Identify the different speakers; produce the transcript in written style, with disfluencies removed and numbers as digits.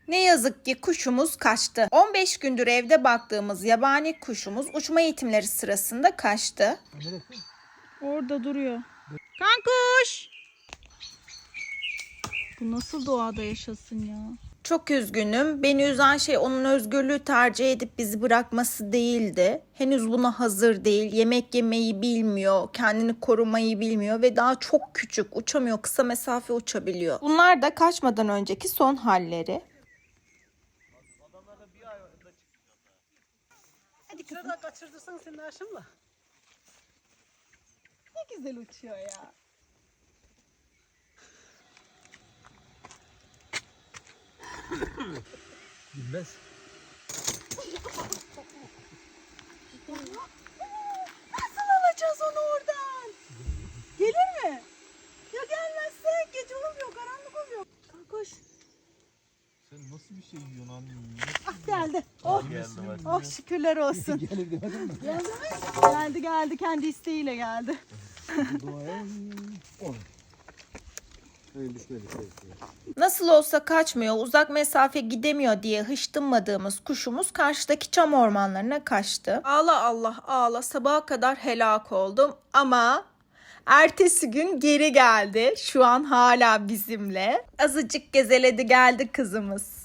Speaker 1: Ne yazık ki kuşumuz kaçtı. 15 gündür evde baktığımız yabani kuşumuz uçma eğitimleri sırasında kaçtı.
Speaker 2: Orada duruyor. Kankuş! Bu nasıl doğada yaşasın ya?
Speaker 1: Çok üzgünüm. Beni üzen şey onun özgürlüğü tercih edip bizi bırakması değildi. Henüz buna hazır değil. Yemek yemeyi bilmiyor, kendini korumayı bilmiyor ve daha çok küçük, uçamıyor, kısa mesafe uçabiliyor. Bunlar da kaçmadan önceki son halleri.
Speaker 3: Hadi kızım. Şurada kaçırdırsın senin aşımla. Ne güzel uçuyor ya.
Speaker 4: Bilmez.
Speaker 3: Nasıl alacağız onu oradan? Gelir mi? Ya gelmezse gece olmuyor, karanlık oluyor. Koş.
Speaker 4: Sen nasıl bir şey yiyorsun annem?
Speaker 3: Ah geldi. Oh, oh şükürler olsun.
Speaker 4: Gelir demedin mi?
Speaker 3: Geldi mi? Geldi geldi. Kendi isteğiyle geldi.
Speaker 4: Duaya on. Öyle düşmedi.
Speaker 1: Nasıl olsa kaçmıyor, uzak mesafe gidemiyor diye hıştınmadığımız kuşumuz karşıdaki çam ormanlarına kaçtı. Ağla Allah ağla, sabaha kadar helak oldum ama ertesi gün geri geldi. Şu an hala bizimle. Azıcık gezeledi geldi kızımız.